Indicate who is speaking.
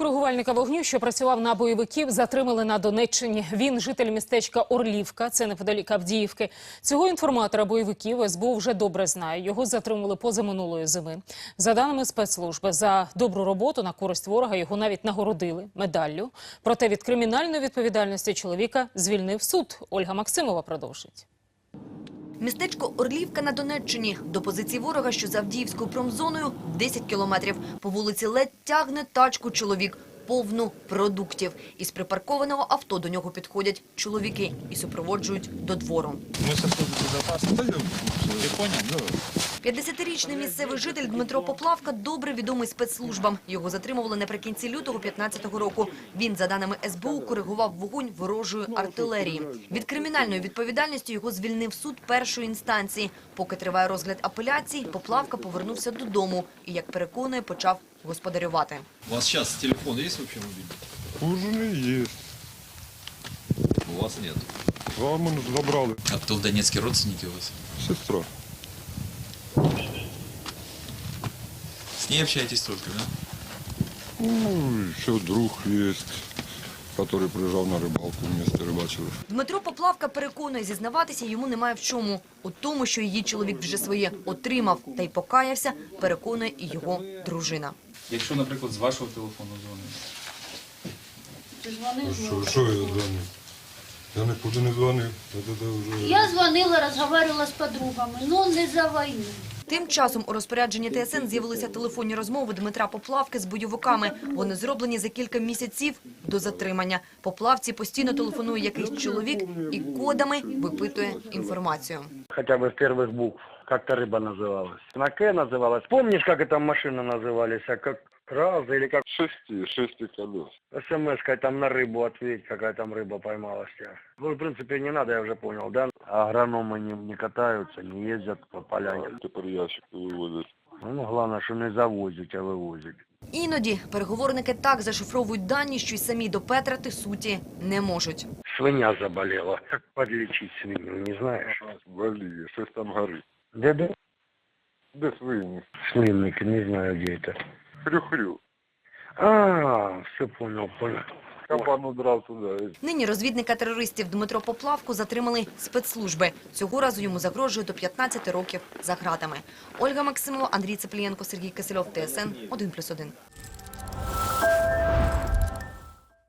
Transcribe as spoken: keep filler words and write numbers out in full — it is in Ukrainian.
Speaker 1: Коригувальника вогню, що працював на бойовиків, затримали на Донеччині. Він – житель містечка Орлівка, це неподалік Авдіївки. Цього інформатора бойовиків ес бе у вже добре знає. Його затримали позаминулої зими. За даними спецслужби, за добру роботу на користь ворога його навіть нагородили медаллю. Проте від кримінальної відповідальності чоловіка звільнив суд. Ольга Максимова продовжить.
Speaker 2: Містечко Орлівка на Донеччині. До позиції ворога, що за Авдіївською промзоною, десять кілометрів. По вулиці ледь тягне тачку чоловік, повну продуктів. Із припаркованого авто до нього підходять чоловіки і супроводжують до двору.
Speaker 3: Ми со служби безпеки. Ти поняв?
Speaker 2: п'ятдесятирічний місцевий житель Дмитро Поплавка добре відомий спецслужбам. Його затримували наприкінці лютого п'ятнадцятого року. Він, за даними ес бе у, коригував вогонь ворожої артилерії. Від кримінальної відповідальності його звільнив суд першої інстанції. Поки триває розгляд апеляцій, Поплавка повернувся додому і, як переконує, почав господарювати.
Speaker 4: У вас сейчас телефон есть вообще мобильный?
Speaker 5: У жены есть.
Speaker 4: У вас нет.
Speaker 5: А мы забрали.
Speaker 4: А кто в Донецке, родственники у вас?
Speaker 5: Сестра.
Speaker 4: С ней общаетесь только, да?
Speaker 5: Ну, еще друг есть, который приезжал на рыбалку, вместе рыбачили.
Speaker 2: Дмитро Поплавка переконує, зізнаватися йому немає в чому. У тому, що її чоловік вже своє отримав та й покаявся, переконує і його дружина.
Speaker 3: Якщо, наприклад, з вашого телефону дзвонить.
Speaker 5: Що, що я дзвонив? Я нікуди не дзвонив. Це, це вже...
Speaker 6: Я звонила, разговаривала с подругами, но не за войну.
Speaker 2: Тим часом у розпорядженні те ес ен з'явилися телефонні розмови Дмитра Поплавки з бойовиками. Вони зроблені за кілька місяців до затримання. Поплавці постійно телефонує якийсь чоловік і кодами випитує інформацію.
Speaker 7: Хотя бы с первых букв. Как-то рыба называлась. На К называлась. Помнишь, как эта машина назывались? А как Раза или как
Speaker 5: Шести, шести колес.
Speaker 7: смс-кой там на рыбу ответь, какая там рыба поймалась тебя. Ну, в принципе, не надо, я уже понял, да? Агрономы не, не катаются, не ездят по полянам.
Speaker 5: Тепер ящики вивозять.
Speaker 7: Ну, главное, что не завозят, а вывозят.
Speaker 2: Іноді переговорники так зашифровують дані, що й самі допетрати суті не можуть.
Speaker 7: Свинья заболела. Как подлечить свинью, не знаешь?
Speaker 5: Валіє, щось там горить.
Speaker 7: Где-где?
Speaker 5: Де свині?
Speaker 7: Свинник, не знаю, где это.
Speaker 5: Хрю-хрю.
Speaker 7: А, все понял, понял.
Speaker 5: Кабан удрав туди.
Speaker 2: Нині розвідника терористів Дмитро Поплавку затримали спецслужби. Цього разу йому загрожує до п'ятнадцяти років за ґратами. Ольга Максимова, Андрій Цеплієнко, Сергій Кисельов, те ес ен один плюс один.